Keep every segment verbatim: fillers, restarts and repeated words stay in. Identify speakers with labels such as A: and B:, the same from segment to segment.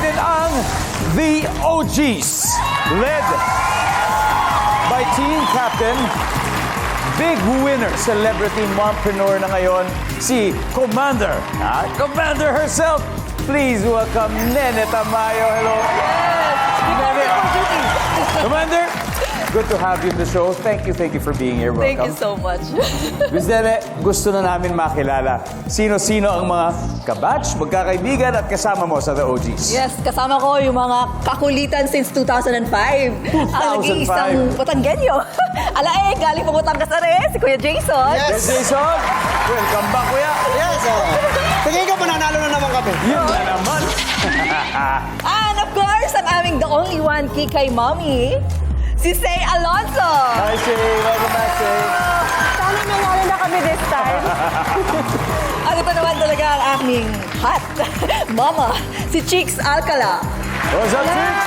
A: natin ang The O Gs, led by Team Captain, big winner, celebrity mompreneur na ngayon, si Commander. Ah, Commander herself. Please welcome Nene Tamayo. Hello. Nene. Commander, good to have you in the show. Thank you, thank you for being here. Welcome.
B: Thank you so much.
A: Miz Nene, gusto na namin makilala sino-sino ang mga kabatch, magkakaibigan at kasama mo sa The O Gs.
B: Yes, kasama ko yung mga kakulitan since two thousand five. Ang nag-iisang Batanggenyo. Ala eh, galing po Batangas na rin, si Kuya Jason.
A: Yes, Jason. Welcome back, Kuya.
C: Yes, oh. Tingin ko, mananalo na naman kami.
A: Yun na naman.
B: And of course, ang aming the only one kikay mommy, si Say Alonso.
A: Hi, Shay. Welcome back, Shay.
B: Sana nanalo na kami this time. At ito naman talaga ang aming hot mama, si Chicks Alcala.
A: What's up, Chicks?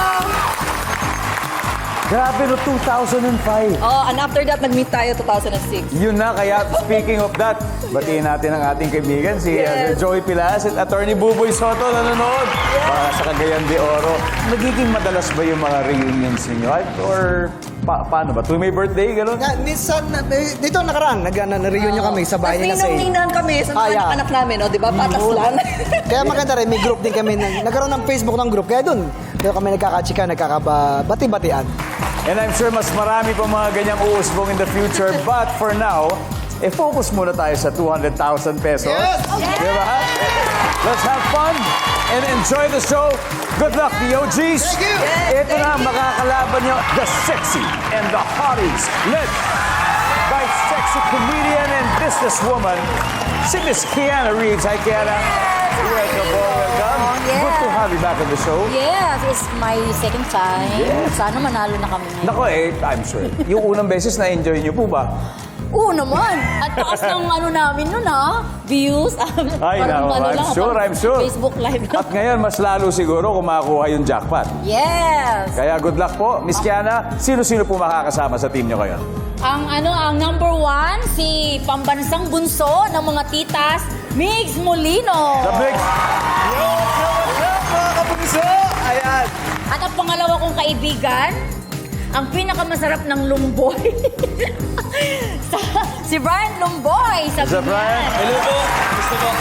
A: Grabe no, two thousand five.
B: Oh, and after that, nag-meet tayo two thousand six.
A: Yun na, kaya speaking of that, batiin natin ang ating kaibigan, si uh,
B: Yes.
A: Joey Pilas at Attorney Buboy Soto nanonood para sa Cagayan de Oro. Nagiging madalas ba yung mga reunions ninyo? Or pa paano ba? Tuwing may birthday, gano'n?
C: Na, minsan, na- eh, dito nakaraan, nag, na, na-reunion kami sa bahay nila sa
B: Ninang kami sa mga
C: Ah, yeah.
B: anak namin, oh, di ba? Patas lang.
C: Kaya maganda rin, may group din kami. na- Nagkaroon ng Facebook ng group. Kaya doon, doon kami nagkakachika, nagkakabati-batian.
A: And I'm sure mas marami pa mga ganyang uusbong in the future. But for now, eh, focus muna tayo sa two hundred thousand pesos.
C: Yes!
A: Diba? Let's have fun and enjoy the show. Good luck, the O Gs.
C: Thank you.
B: Yes,
A: Ito na, makakalaban nyo, the sexy and the hotties, led by sexy comedian and businesswoman, si Miss Kiana Reeves. Hi, Kiana. Welcome, welcome.
D: Yeah.
A: Good to have you back on the show.
D: Yes, it's my second time.
A: Yes.
D: Sana manalo na kami ngayon.
A: Nako eh, I'm sure. Yung unang beses na-enjoy nyo po ba?
D: Oo naman. At taas ng ano namin nun ha. Views.
A: Ay,
D: Parang
A: nako,
D: ano
A: I'm
D: lang,
A: sure,
D: parang
A: I'm sure.
D: Facebook Live lang.
A: At ngayon, mas lalo siguro kung makakuha yung jackpot.
D: Yes.
A: Kaya good luck po. Miss Kiana, sino-sino po makakasama sa team nyo ngayon?
D: Ang ano, ang number one, si pambansang bunso ng mga titas, Migs Molino.
A: The big... Yo, yo, yo, mga kapuso! Ayan.
D: At ang pangalawa kong kaibigan, ang pinakamasarap ng lumboy. Sa- si Brian Lumboy. Sabi
A: Sir Brian.
E: Hello po. Gusto po.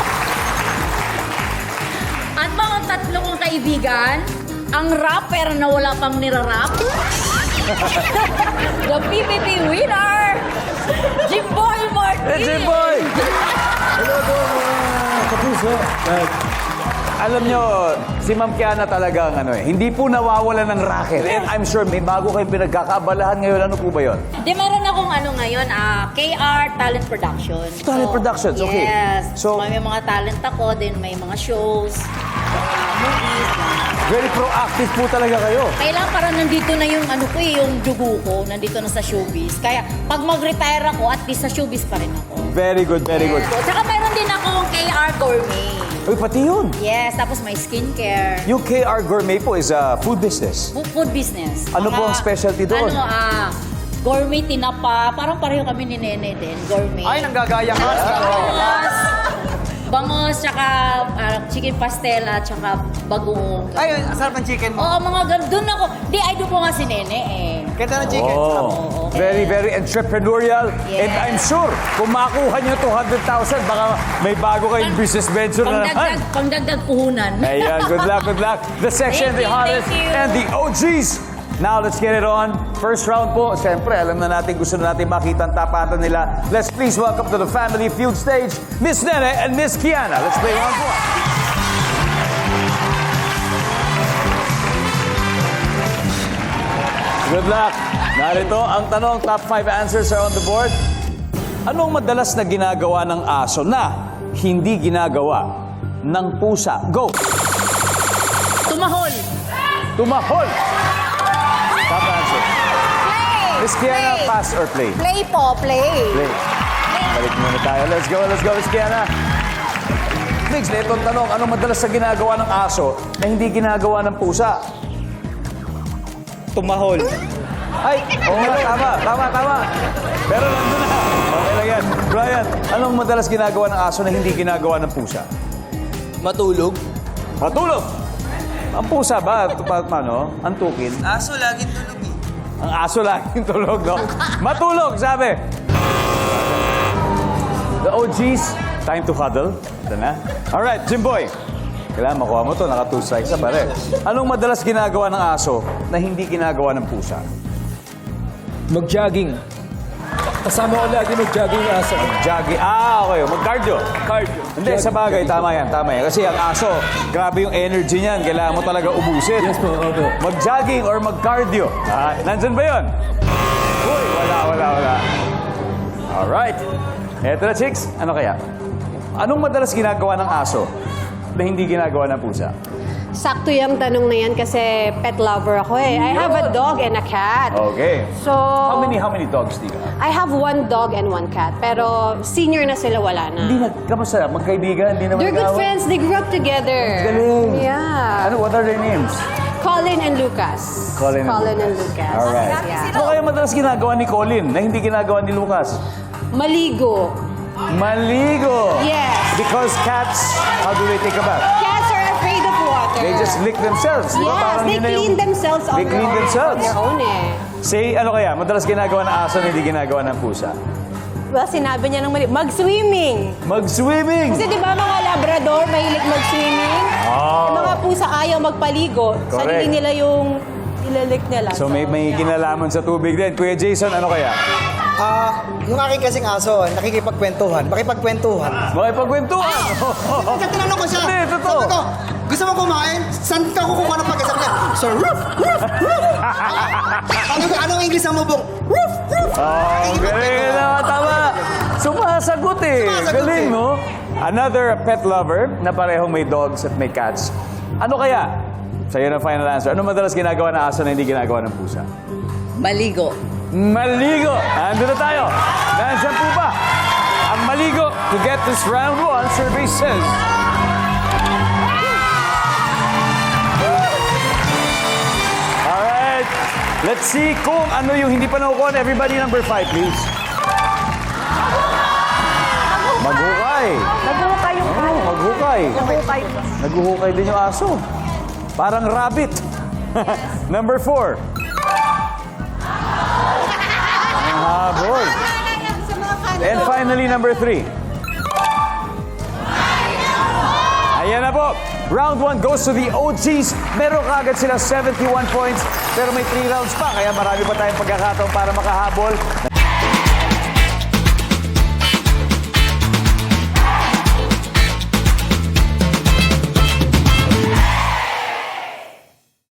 D: At mga tatlo kong kaibigan, ang rapper na wala pang nirarap. The P P P winner, Jimboy Martin.
A: Hey, Jimboy! Hello po, mga kapuso. Alam nyo, si Ma'am Kiana talagang ano eh, hindi po nawawala ng racket. And I'm sure may bago kayong pinagkakaabalahan ngayon. Ano po ba yun?
D: Di, meron akong ano ngayon, ah, K R Talent Productions.
A: Talent Productions, okay.
D: Yes.
A: So-
D: So, may mga talent ako, then may mga shows, mga movies.
A: Very proactive po talaga kayo.
D: Kailangan parang nandito na yung ano ko eh, yung dugo ko, nandito na sa showbiz. Kaya pag mag-retire ako, at least sa showbiz pa rin ako.
A: Very good, very good.
D: Yes. Tsaka meron din akong K R Gourmet.
A: Uy, pati yun.
D: Yes, tapos may skincare.
A: Yung K R Gourmet po is a food business.
D: Fu- Food business.
A: Ano po ang specialty doon?
D: Ano, ah, gourmet tinapa. Parang pareho kami ni Nene din, gourmet.
C: Ay, nanggagaya ka.
D: Bangos, bangos, tsaka ah, chicken pastel at tsaka bagoong.
C: Ay, ang sarap ng chicken mo.
D: Oo, mga ganun. Doon ako. Di, idol ko nga si Nene eh.
C: Ganda ng chicken. sarap.
A: Oh, very, very entrepreneurial.
D: Yes.
A: And I'm sure, kung makuha nyo two hundred thousand, baka may bago kayong business venture na
D: Pangdagdag,
A: naman.
D: pangdagdag puhunan.
A: Ayan, good luck, good luck. The section,
D: Thank
A: the
D: you,
A: hottest,
D: thank you.
A: and the O Gs. Now, let's get it on. First round po, siyempre, alam na natin, gusto na natin makita ang tapatan nila. Let's please welcome to the Family Feud stage, Miss Nene and Miss Kiana. Let's play round one. Good luck. Narito ang tanong, top five answers are on the board. Anong madalas na ginagawa ng aso na hindi ginagawa ng pusa? Go!
D: Tumahol.
A: Tumahol! Top answer.
D: Play.
A: Miss Kiana,
D: Play.
A: pass or play?
D: Play po, play.
A: Play. Balik muna tayo. Let's go, let's go, Miss Kiana. Migs, na itong tanong, anong madalas na ginagawa ng aso na hindi ginagawa ng pusa?
E: Tumahol.
A: Ay, oo nga, tama, tama, tama. Pero nandun na. Okay lang yan. Brian, anong madalas ginagawa ng aso na hindi ginagawa ng pusa?
E: Matulog.
A: Matulog! Ang pusa ba? Pa- Paano? Antukin?
C: Aso, laging tulog eh.
A: Ang aso laging tulog, no? Matulog, sabi. The O Gs, time to huddle. Ito na. Alright, Jimboy. Kailangan makuha mo to, naka two strikes na pare. Anong madalas ginagawa ng aso na hindi ginagawa ng pusa?
E: Mag-jogging. Kasama ko lagi mag-jogging yung aso.
A: Jogging. Ah, okay. Mag-cardio.
E: Cardio.
A: Hindi, sa bagay, tama yan, tama yan. Kasi ang aso, grabe yung energy niyan. Kailangan mo talaga ubusin.
E: Yes po, opo.
A: Mag-jogging or mag-cardio. Ah, nandyan ba yun? Uy, wala, wala, wala. Alright. Eto na, chicks. Ano kaya? Anong madalas ginagawa ng aso na hindi ginagawa ng pusa?
F: Sakto yung tanong na yan kasi pet lover ako eh. I have a dog and a cat.
A: Okay.
F: So,
A: How many, how many dogs do you have?
F: I have one dog and one cat. Pero senior na sila, wala
A: Hindi
F: na.
A: na, kamusta? Magkaibigan? Hindi naman
F: They're good
A: nag-away?
F: friends. They grew up together.
A: Galing.
F: Yeah.
A: Ano, what are their names?
F: Colin and Lucas.
A: Colin and
F: Colin and
A: Lucas.
F: Lucas.
A: Alright.
F: Yeah.
A: Ano kaya madalas ginagawa ni Colin na hindi ginagawa ni Lucas?
F: Maligo.
A: Maligo!
F: Yes.
A: Because cats, how do they take a bath?
F: Cats are afraid of water.
A: They just lick themselves. di ba?
F: Yes,
A: Parang
F: they
A: yun na yung-
F: clean themselves on
A: They
F: their
A: clean
F: own.
A: themselves.
F: On their own eh.
A: Say, ano kaya? Madalas ginagawa ng aso na hindi ginagawa ng pusa.
G: Well, sinabi niya ng mali. Mag-swimming.
A: Mag-swimming!
G: Kasi di ba mga Labrador, mahilig mag-swimming?
A: Oh.
G: Yung mga pusa ayaw magpaligo.
A: Correct.
G: Sarili nila yung ilalik nila.
A: So may, may
G: yeah.
A: kinalaman sa tubig din. Kuya Jason, ano kaya?
C: Ah, yung aking kasing aso, nakikipagkwentuhan, makipagkwentuhan.
A: Makipagkwentuhan!
C: Kasi tinanong ko siya,
A: Hindi, totoo.
C: sabi ko, gusto mo kumain? Saan ka kukuha ng pagkasap niya? So, roof, roof, roof. Ano, anong English ang mabong? Roof, roof.
A: Oh, galing na, tama. Sumasagot eh.
C: Sumasagot
A: Galing,
C: eh.
A: no? Another pet lover na parehong may dogs at may cats. Ano kaya? Sa'yo na final answer. Ano madalas ginagawa ng aso na hindi ginagawa ng pusa?
B: Maligo.
A: Maligo! Ando na tayo. Nandiyan po ba? Ang maligo to get this round one survey says... Alright. Let's see kung ano yung hindi pa nakukuha. Everybody number five, please. Maghukay.
G: Nagbuhukay yung
A: Oh, maghukay.
G: Nagbuhukay.
A: Naghuhukay din yung aso. Parang rabbit. Number four. Ang habol. And finally, number three. Ayan na po. Round one goes to the O Gs. Meron kagad sila seventy-one points. Pero may three rounds pa. Kaya marami pa tayong pagkakataon para makahabol.